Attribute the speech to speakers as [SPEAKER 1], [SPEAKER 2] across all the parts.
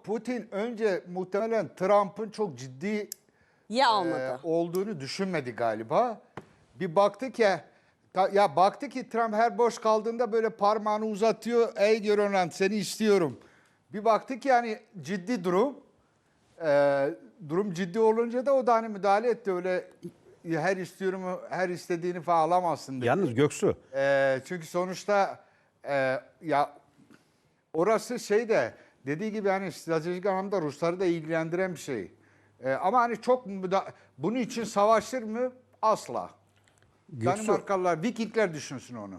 [SPEAKER 1] Putin önce muhtemelen Trump'ın çok ciddi
[SPEAKER 2] almadı.
[SPEAKER 1] olduğunu düşünmedi galiba. Bir baktı ki baktı ki Trump her boş kaldığında böyle parmağını uzatıyor. Ey Grönland seni istiyorum. Bir baktı ki yani ciddi durum. Durum ciddi olunca da o da hani müdahale etti. Öyle her istiyorum her istediğini falan alamazsın dedi.
[SPEAKER 3] Yalnız Göksu,
[SPEAKER 1] Çünkü sonuçta ya orası şey de dediği gibi hani stratejik anlamda Rusları da ilgilendiren bir şey. Ama hani çok bunun için savaşır mı? Asla. Danimarkalılar, Vikingler düşünsün onu.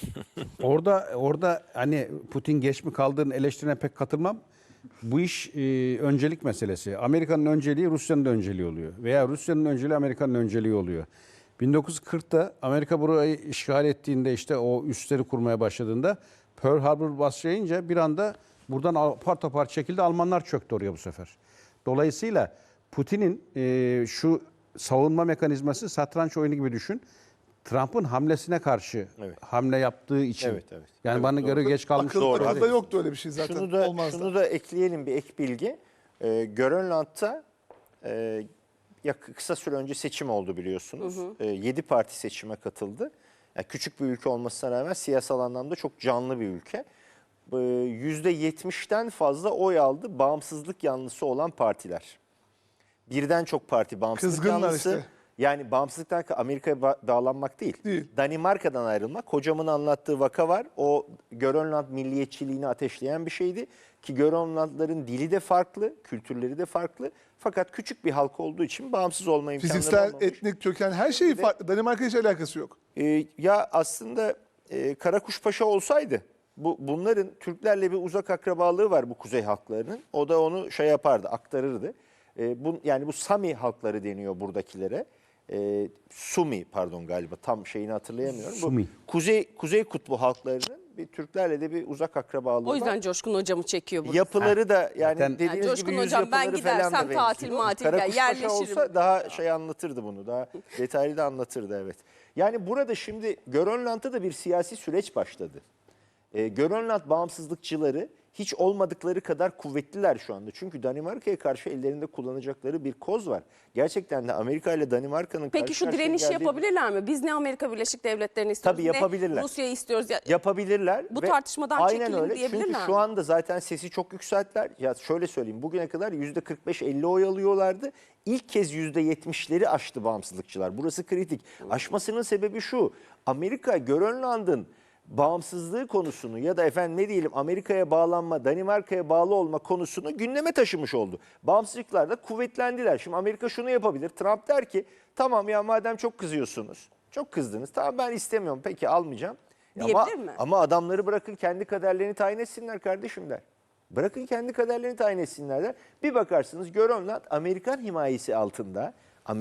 [SPEAKER 3] orada hani Putin geç mi kaldığını eleştirine pek katılmam. Bu iş öncelik meselesi. Amerika'nın önceliği Rusya'nın da önceliği oluyor. Veya Rusya'nın önceliği Amerika'nın önceliği oluyor. 1940'ta Amerika burayı işgal ettiğinde işte o üsleri kurmaya başladığında Pearl Harbor başlayınca bir anda buradan apar topar çekildi. Almanlar çöktü oraya bu sefer. Dolayısıyla Putin'in şu savunma mekanizması satranç oyunu gibi düşün. Trump'ın hamlesine karşı hamle yaptığı için.
[SPEAKER 4] Evet.
[SPEAKER 3] Yani bana göre geç kalmış.
[SPEAKER 5] Akılda yoktu öyle bir şey zaten.
[SPEAKER 4] Şunu da ekleyelim, bir ek bilgi. Grönland'da kısa süre önce seçim oldu biliyorsunuz. 7 parti seçime katıldı. Yani küçük bir ülke olmasına rağmen siyasal anlamda çok canlı bir ülke. %70'ten fazla oy aldı bağımsızlık yanlısı olan partiler. Birden çok parti bağımsızlık
[SPEAKER 5] Kızgınlar
[SPEAKER 4] yanlısı.
[SPEAKER 5] işte.
[SPEAKER 4] Yani bağımsızlıktan Amerika'ya bağlanmak değil. Danimarka'dan ayrılmak. Hocamın anlattığı vaka var. O Grönland milliyetçiliğini ateşleyen bir şeydi. Ki Grönlandların dili de farklı, kültürleri de farklı. Fakat küçük bir halk olduğu için bağımsız olma imkanları
[SPEAKER 5] Fiziksel,
[SPEAKER 4] olmamış.
[SPEAKER 5] etnik köken her şeyi farklı. Danimarka hiç alakası yok.
[SPEAKER 4] Ya aslında Karakuşpaşa olsaydı bunların Türklerle bir uzak akrabalığı var bu kuzey halklarının. O da onu şey yapardı, aktarırdı. Yani bu Sami halkları deniyor buradakilere. Sumi pardon galiba tam şeyini hatırlayamıyorum.
[SPEAKER 3] Sumi.
[SPEAKER 4] Bu Kuzey Kutbu halklarının bir Türklerle de bir uzak akrabalığı
[SPEAKER 2] O yüzden
[SPEAKER 4] var.
[SPEAKER 2] Coşkun hocamı çekiyor burada.
[SPEAKER 4] Yapıları da yani
[SPEAKER 3] Zaten-
[SPEAKER 4] dediğiniz
[SPEAKER 2] Coşkun
[SPEAKER 4] gibi yüz
[SPEAKER 2] hocam, ben
[SPEAKER 4] yapıları falan da
[SPEAKER 2] gidersem tatil
[SPEAKER 4] benziyor.
[SPEAKER 2] matil
[SPEAKER 4] Karakuşpaşa
[SPEAKER 2] yerleşirim.
[SPEAKER 4] olsa daha şey anlatırdı bunu. Daha detaylı da anlatırdı evet. Yani burada şimdi Grönland'da da bir siyasi süreç başladı. Grönland bağımsızlıkçıları hiç olmadıkları kadar kuvvetliler şu anda. Çünkü Danimarka'ya karşı ellerinde kullanacakları bir koz var. Gerçekten de Amerika ile Danimarka'nın
[SPEAKER 2] Peki
[SPEAKER 4] karşı
[SPEAKER 2] şu
[SPEAKER 4] karşıya
[SPEAKER 2] direnişi
[SPEAKER 4] geldiği-
[SPEAKER 2] yapabilirler mi? Biz ne Amerika Birleşik Devletleri'ni istiyoruz,
[SPEAKER 4] Tabii yapabilirler.
[SPEAKER 2] ne Rusya'yı istiyoruz.
[SPEAKER 4] Yapabilirler.
[SPEAKER 2] Bu
[SPEAKER 4] ve
[SPEAKER 2] tartışmadan
[SPEAKER 4] aynen
[SPEAKER 2] çekilin
[SPEAKER 4] öyle.
[SPEAKER 2] diyebilirler
[SPEAKER 4] Çünkü
[SPEAKER 2] mi?
[SPEAKER 4] şu anda zaten sesi çok yükselttiler. Ya şöyle söyleyeyim, bugüne kadar %45-50 oy alıyorlardı. İlk kez %70'leri aştı bağımsızlıkçılar. Burası kritik. Aşmasının sebebi şu: Amerika Grönland'ın bağımsızlığı konusunu ya da efendim ne diyelim Amerika'ya bağlanma, Danimarka'ya bağlı olma konusunu gündeme taşımış oldu. Bağımsızlıklar da kuvvetlendiler. Şimdi Amerika şunu yapabilir. Trump der ki tamam ya madem çok kızıyorsunuz, çok kızdınız. Tamam ben istemiyorum peki almayacağım.
[SPEAKER 2] Diyebilir mi?
[SPEAKER 4] Ama adamları bırakın kendi kaderlerini tayin etsinler kardeşim der. Bırakın kendi kaderlerini tayin etsinler der. Bir bakarsınız Grönland Amerikan himayesi altında.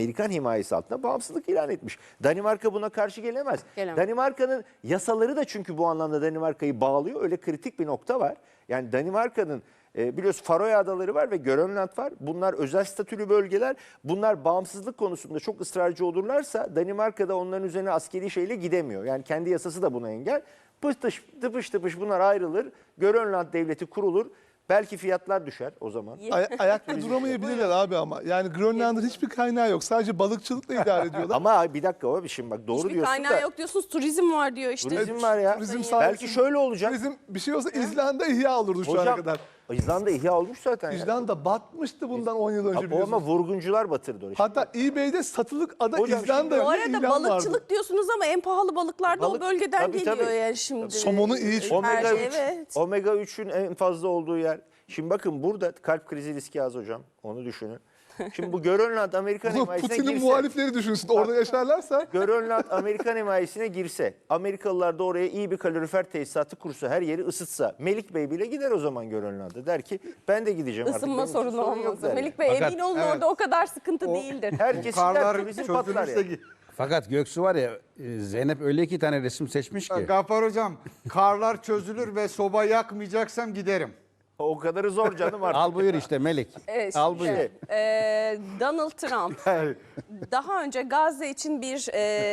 [SPEAKER 4] Bağımsızlık ilan etmiş. Danimarka buna karşı gelemez. Danimarka'nın yasaları da çünkü bu anlamda Danimarka'yı bağlıyor. Öyle kritik bir nokta var. Yani Danimarka'nın biliyorsun Faroe Adaları var ve Grönland var. Bunlar özel statülü bölgeler. Bunlar bağımsızlık konusunda çok ısrarcı olurlarsa Danimarka'da onların üzerine askeri şeyle gidemiyor. Yani kendi yasası da buna engel. Tıpış tıpış bunlar ayrılır. Grönland devleti kurulur. Belki fiyatlar düşer o zaman.
[SPEAKER 5] Ayakta duramayabilirler abi ama. Yani Grönland'ın hiçbir kaynağı yok. Sadece balıkçılıkla idare ediyorlar.
[SPEAKER 4] Ama bir dakika o şimdi bak doğru
[SPEAKER 2] Hiçbir
[SPEAKER 4] diyorsun
[SPEAKER 2] kaynağı
[SPEAKER 4] da.
[SPEAKER 2] yok diyorsunuz, turizm var diyor işte.
[SPEAKER 4] Turizm var ya.
[SPEAKER 5] Turizm
[SPEAKER 4] Belki şöyle olacak.
[SPEAKER 5] Turizm bir şey olsa İzlanda ihya olurdu şu ana kadar.
[SPEAKER 4] İzlanda ihya olmuş zaten.
[SPEAKER 5] İzlanda batmıştı bundan 10 yıl önce
[SPEAKER 4] Ama
[SPEAKER 5] biliyorsunuz.
[SPEAKER 4] vurguncular batırdı orayı.
[SPEAKER 5] Hatta eBay'de satılık ada
[SPEAKER 4] Hocam
[SPEAKER 5] İzlanda
[SPEAKER 4] şimdi-
[SPEAKER 2] Bu
[SPEAKER 5] diye
[SPEAKER 2] arada
[SPEAKER 5] ilan
[SPEAKER 2] balıkçılık
[SPEAKER 5] vardı.
[SPEAKER 2] diyorsunuz ama en pahalı balıklar da o
[SPEAKER 4] Balık-
[SPEAKER 2] bölgeden
[SPEAKER 4] tabii,
[SPEAKER 2] geliyor
[SPEAKER 4] tabii.
[SPEAKER 2] yani şimdi.
[SPEAKER 5] Somonu iyi çünkü.
[SPEAKER 2] Her
[SPEAKER 4] Omega
[SPEAKER 2] şey,
[SPEAKER 4] 3,
[SPEAKER 2] evet.
[SPEAKER 4] Omega 3'ün en fazla olduğu yer. Şimdi bakın burada kalp krizi riski az hocam. Onu düşünün. Şimdi bu Grönland Amerikan
[SPEAKER 5] Bunu
[SPEAKER 4] himayesine
[SPEAKER 5] Putin'in
[SPEAKER 4] girse.
[SPEAKER 5] muhalifleri düşünsün. Orada yaşarlarsa
[SPEAKER 4] Grönland Amerikan himayesine girse, Amerikalılar da oraya iyi bir kalorifer tesisatı kursa, her yeri ısıtsa, Melik Bey bile gider o zaman Grönland'a. Der ki ben de gideceğim artık.
[SPEAKER 2] Isınma
[SPEAKER 4] benim için
[SPEAKER 2] sorunu
[SPEAKER 4] sorun yok
[SPEAKER 2] olmaz.
[SPEAKER 4] der.
[SPEAKER 2] Melik Bey
[SPEAKER 3] Fakat-
[SPEAKER 2] emin olun orada o kadar sıkıntı değildir.
[SPEAKER 4] Herkes
[SPEAKER 1] Karlar
[SPEAKER 4] gider turizm patlar
[SPEAKER 1] çözülürse
[SPEAKER 4] ya.
[SPEAKER 3] Fakat Göksu var ya Zeynep öyle iki tane resim seçmiş ki.
[SPEAKER 1] Gaffar hocam karlar çözülür ve soba yakmayacaksam giderim.
[SPEAKER 4] O kadarı zor canım artık.
[SPEAKER 3] Al buyur işte Melik.
[SPEAKER 2] Evet,
[SPEAKER 3] Al buyur.
[SPEAKER 2] şimdi, Donald Trump daha önce Gazze için bir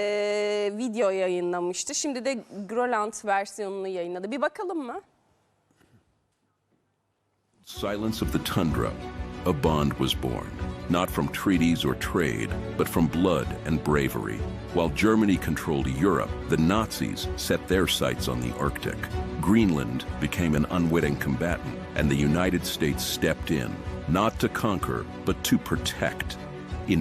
[SPEAKER 2] video yayınlamıştı. Şimdi de Grönland versiyonunu yayınladı. Bir bakalım mı?
[SPEAKER 6] Silence of the tundra, a bond was born, not from treaties or trade, but from blood and bravery. While Germany controlled Europe, the Nazis set their sights on the Arctic. Greenland became an unwitting combatant, and the United States stepped in, not to conquer, but to protect. In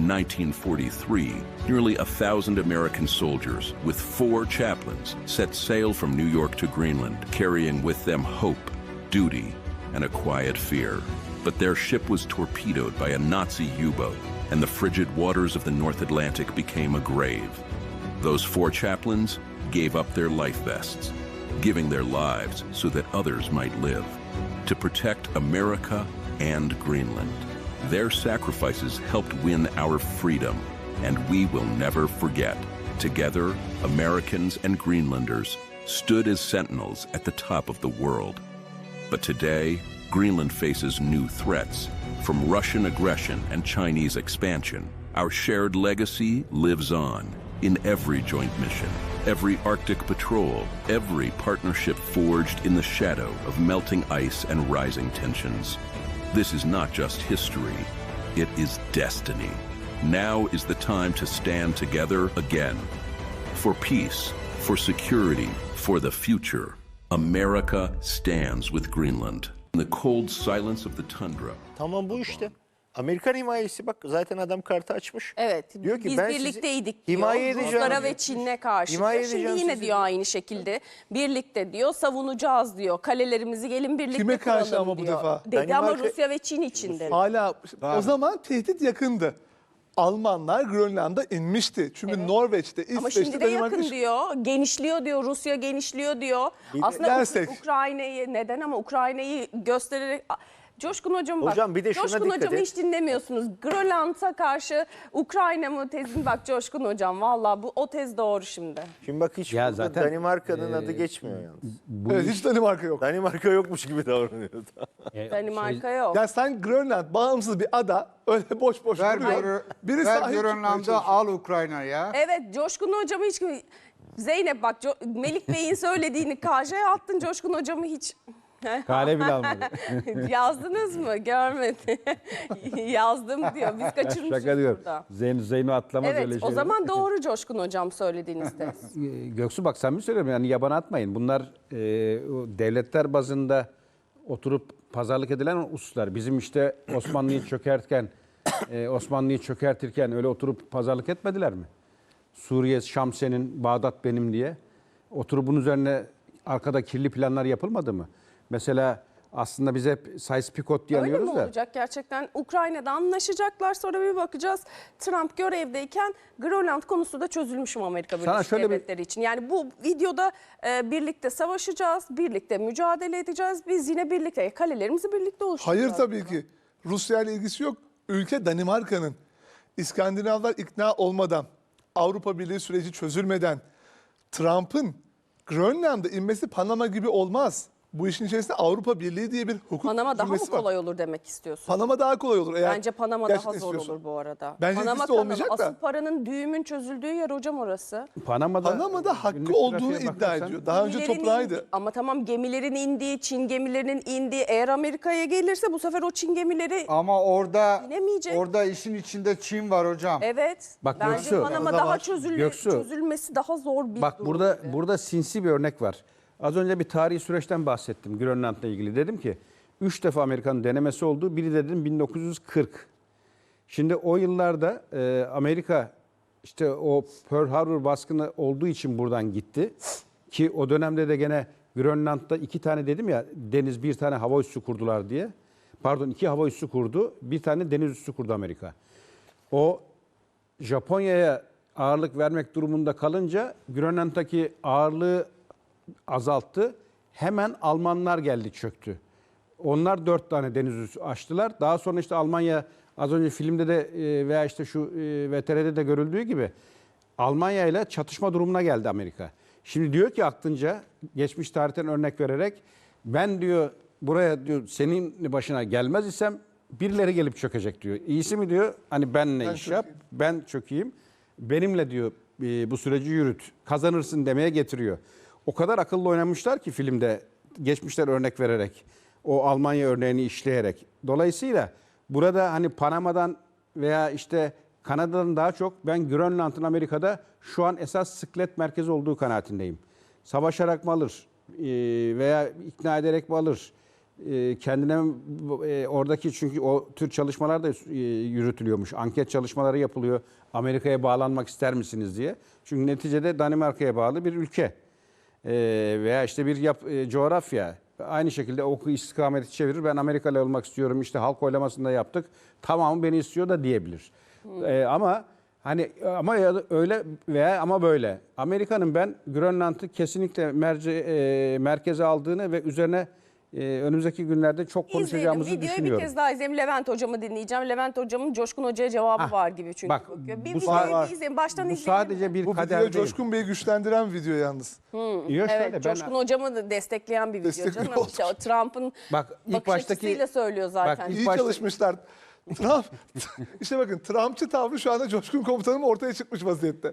[SPEAKER 6] 1943, nearly 1,000 American soldiers with 4 chaplains set sail from New York to Greenland, carrying with them hope, duty, and a quiet fear. But their ship was torpedoed by a Nazi U-boat, and the frigid waters of the North Atlantic became a grave. Those 4 chaplains gave up their life vests, giving their lives so that others might live, to protect America and Greenland. Their sacrifices helped win our freedom, and we will never forget. Together, Americans and Greenlanders stood as sentinels at the top of the world. But today, Greenland faces new threats, from Russian aggression and Chinese expansion. Our shared legacy lives on in every joint mission, every Arctic patrol, every partnership forged in the shadow of melting ice and rising tensions. This is not just history, it is destiny. Now is the time to stand together again. For peace, for security, for the future. America stands with Greenland. In the cold silence of the tundra.
[SPEAKER 4] Tamam bu işte. Amerikan himayesi bak zaten adam kartı açmış.
[SPEAKER 2] Evet,
[SPEAKER 4] Diyor ki,
[SPEAKER 2] biz
[SPEAKER 4] ben sizi
[SPEAKER 2] birlikteydik diyor.
[SPEAKER 4] himaye edeceğim
[SPEAKER 2] Ruslara
[SPEAKER 4] diyor.
[SPEAKER 2] ve Çin'e karşı.
[SPEAKER 4] Himaye
[SPEAKER 2] Diyor. Şimdi
[SPEAKER 4] edeceğim
[SPEAKER 2] yine
[SPEAKER 4] sizi
[SPEAKER 2] diyor aynı şekilde. Birlikte diyor, savunacağız diyor. Kalelerimizi gelin birlikte
[SPEAKER 5] Kime karşı
[SPEAKER 2] kuralım
[SPEAKER 5] ama bu
[SPEAKER 2] diyor.
[SPEAKER 5] defa?
[SPEAKER 2] Dedi ama
[SPEAKER 4] Danimarka-
[SPEAKER 2] Rusya ve Çin için dedi.
[SPEAKER 5] Hala o zaman tehdit yakındı. Almanlar Grönland'a inmişti. Çünkü Norveç'te,
[SPEAKER 2] Ama
[SPEAKER 5] İsveç'te,
[SPEAKER 2] şimdi de yakın
[SPEAKER 5] Danimarka...
[SPEAKER 2] diyor. Genişliyor diyor. Rusya genişliyor diyor.
[SPEAKER 4] Bir de
[SPEAKER 2] Aslında
[SPEAKER 5] dersek.
[SPEAKER 2] Ukrayna'yı neden ama Ukrayna'yı göstererek... Coşkun Hocam bak.
[SPEAKER 4] Hocam bir de şuna
[SPEAKER 2] Coşkun
[SPEAKER 4] dikkat
[SPEAKER 2] Hocam'ı
[SPEAKER 4] et.
[SPEAKER 2] hiç dinlemiyorsunuz. Grönland'a karşı Ukrayna mı tezin bak Coşkun Hocam. Valla bu o tez doğru şimdi.
[SPEAKER 4] Şimdi bak hiç
[SPEAKER 3] Ya
[SPEAKER 4] burada
[SPEAKER 3] zaten,
[SPEAKER 4] Danimarka'nın adı geçmiyor yalnız.
[SPEAKER 5] Evet, hiç Danimarka yok.
[SPEAKER 4] Danimarka yokmuş gibi davranıyor.
[SPEAKER 2] Danimarka yok.
[SPEAKER 5] Ya sen Grönland bağımsız bir ada öyle boş boş
[SPEAKER 1] Ver,
[SPEAKER 5] duruyor. Biri
[SPEAKER 1] ver
[SPEAKER 5] sahip çıkmaya
[SPEAKER 1] Grönland'ı
[SPEAKER 5] çalışıyor.
[SPEAKER 1] al Ukrayna'ya.
[SPEAKER 2] Evet Coşkun Hocam'ı hiç... Zeynep bak Melik Bey'in söylediğini KJ'ye attın. Coşkun Hocam'ı hiç...
[SPEAKER 3] Kale bile almadı.
[SPEAKER 2] Yazdınız mı? Görmedim. Yazdım diyor. Biz kaçırmışız
[SPEAKER 3] Şaka diyorum.
[SPEAKER 2] burada.
[SPEAKER 3] Zeyno atlamaz öyle
[SPEAKER 2] Evet
[SPEAKER 3] şeyler.
[SPEAKER 2] o zaman doğru Coşkun Hocam söylediğiniz tez.
[SPEAKER 3] Göksu bak sen mi söylüyorum yani yabana atmayın. Bunlar o devletler bazında oturup pazarlık edilen hususlar. Bizim işte Osmanlı'yı çökertirken öyle oturup pazarlık etmediler mi? Suriye Şam senin, Bağdat benim diye. Oturup bunun üzerine arkada kirli planlar yapılmadı mı? Mesela aslında biz hep Sykes-Picot diye
[SPEAKER 2] Öyle mi
[SPEAKER 3] anıyoruz da.
[SPEAKER 2] olacak gerçekten? Ukrayna'da anlaşacaklar sonra bir bakacağız. Trump görevdeyken Grönland konusu da çözülmüş mü Amerika Birleşik
[SPEAKER 3] şöyle bir-
[SPEAKER 2] Devletleri için? Yani bu videoda birlikte savaşacağız, birlikte mücadele edeceğiz. Biz yine birlikte, kalelerimizi birlikte oluşturacağız.
[SPEAKER 5] Hayır tabii ki. Rusya ile ilgisi yok. Ülke Danimarka'nın. İskandinavlar ikna olmadan, Avrupa Birliği süreci çözülmeden Trump'ın Grönland'a inmesi Panama gibi olmaz. Bu işin içerisinde Avrupa Birliği diye bir hukuk
[SPEAKER 2] Panama daha mı
[SPEAKER 5] cümlesi var.
[SPEAKER 2] kolay olur demek istiyorsun?
[SPEAKER 5] Panama daha kolay olur. Eğer
[SPEAKER 2] Bence Panama
[SPEAKER 5] gerçekten
[SPEAKER 2] daha zor
[SPEAKER 5] istiyorsan.
[SPEAKER 2] olur bu arada.
[SPEAKER 5] Bence
[SPEAKER 2] Panama
[SPEAKER 5] ikisi de olmayacak
[SPEAKER 2] kanalı,
[SPEAKER 5] da.
[SPEAKER 2] asıl paranın düğümün çözüldüğü yer hocam orası.
[SPEAKER 5] Panama'da hakkı olduğunu iddia ediyor. Daha önce
[SPEAKER 2] Gemilerin
[SPEAKER 5] toprağıydı.
[SPEAKER 2] ama tamam gemilerin indiği, Çin gemilerinin indiği. Eğer Amerika'ya gelirse bu sefer o Çin gemileri
[SPEAKER 1] Ama
[SPEAKER 2] İnemeyecek.
[SPEAKER 1] orada işin içinde Çin var hocam.
[SPEAKER 2] evet.
[SPEAKER 3] Bak
[SPEAKER 2] bence
[SPEAKER 3] Göksu,
[SPEAKER 2] Panama
[SPEAKER 5] o da
[SPEAKER 2] daha
[SPEAKER 5] var.
[SPEAKER 3] Göksu.
[SPEAKER 2] çözülmesi daha zor bir
[SPEAKER 3] Bak
[SPEAKER 2] durum
[SPEAKER 3] burada
[SPEAKER 2] gibi.
[SPEAKER 3] burada sinsi bir örnek var. Az önce bir tarihi süreçten bahsettim Grönland'la ilgili. Dedim ki 3 defa Amerika'nın denemesi oldu. Biri dedim 1940. Şimdi o yıllarda Amerika işte o Pearl Harbor baskını olduğu için buradan gitti. Ki o dönemde de gene Grönland'da 2 tane dedim ya deniz bir tane hava üssü kurdular diye. Pardon 2 hava üssü kurdu. Bir tane deniz üssü kurdu Amerika. O Japonya'ya ağırlık vermek durumunda kalınca Grönland'daki ağırlığı azalttı. Hemen Almanlar geldi çöktü. Onlar 4 tane deniz üssü açtılar. Daha sonra işte Almanya az önce filmde de veya işte şu VTR'de de görüldüğü gibi Almanya ile çatışma durumuna geldi Amerika. Şimdi diyor ki aklınca geçmiş tarihten örnek vererek ben diyor buraya diyor senin başına gelmez isem birileri gelip çökecek diyor. İyisi mi diyor hani benle iş yap ben çökeyim. Benimle diyor bu süreci yürüt. Kazanırsın demeye getiriyor. O kadar akıllı oynamışlar ki filmde geçmişler örnek vererek. O Almanya örneğini işleyerek. Dolayısıyla burada hani Panama'dan veya işte Kanada'dan daha çok ben Grönland'ın Amerika'da şu an esas sıklet merkezi olduğu kanaatindeyim. Savaşarak mı alır veya ikna ederek mi alır? Kendine oradaki çünkü o tür çalışmalar da yürütülüyormuş. Anket çalışmaları yapılıyor. Amerika'ya bağlanmak ister misiniz diye. Çünkü neticede Danimarka'ya bağlı bir ülke. Veya işte bir coğrafya. Aynı şekilde o istikameti çevirir. Ben Amerikalı olmak istiyorum. İşte halk oylamasında yaptık. Tamam beni istiyor da diyebilir. Ama hani ama ya da öyle veya ama böyle. Amerika'nın ben Grönland'ı kesinlikle merkeze aldığını ve üzerine önümüzdeki günlerde çok konuşacağımızı
[SPEAKER 2] Videoyu
[SPEAKER 3] düşünüyorum.
[SPEAKER 2] bir kez daha izleyelim. Levent hocamı dinleyeceğim. Levent hocamın Coşkun Hoca'ya cevabı var gibi çünkü.
[SPEAKER 3] Bak,
[SPEAKER 2] bakıyor. Bir
[SPEAKER 3] bu
[SPEAKER 2] videoyu bir izleyelim. Baştan
[SPEAKER 3] Bu
[SPEAKER 2] izleyelim.
[SPEAKER 3] sadece bir
[SPEAKER 5] Bu
[SPEAKER 3] kader
[SPEAKER 5] video
[SPEAKER 3] değil.
[SPEAKER 5] Coşkun Bey'i güçlendiren video yalnız.
[SPEAKER 3] Yok, şöyle,
[SPEAKER 2] Evet, Coşkun Hocamı da destekleyen bir video
[SPEAKER 5] Destekliyor
[SPEAKER 2] canım. İşte o Trump'ın
[SPEAKER 3] Bak, ilk
[SPEAKER 2] bakış
[SPEAKER 3] baştaki-
[SPEAKER 2] açısıyla söylüyor zaten.
[SPEAKER 3] İlk
[SPEAKER 5] İyi
[SPEAKER 3] başta-
[SPEAKER 5] çalışmışlar. Trump, işte bakın Trumpçı tavrı şu anda Coşkun Komutanım ortaya çıkmış vaziyette.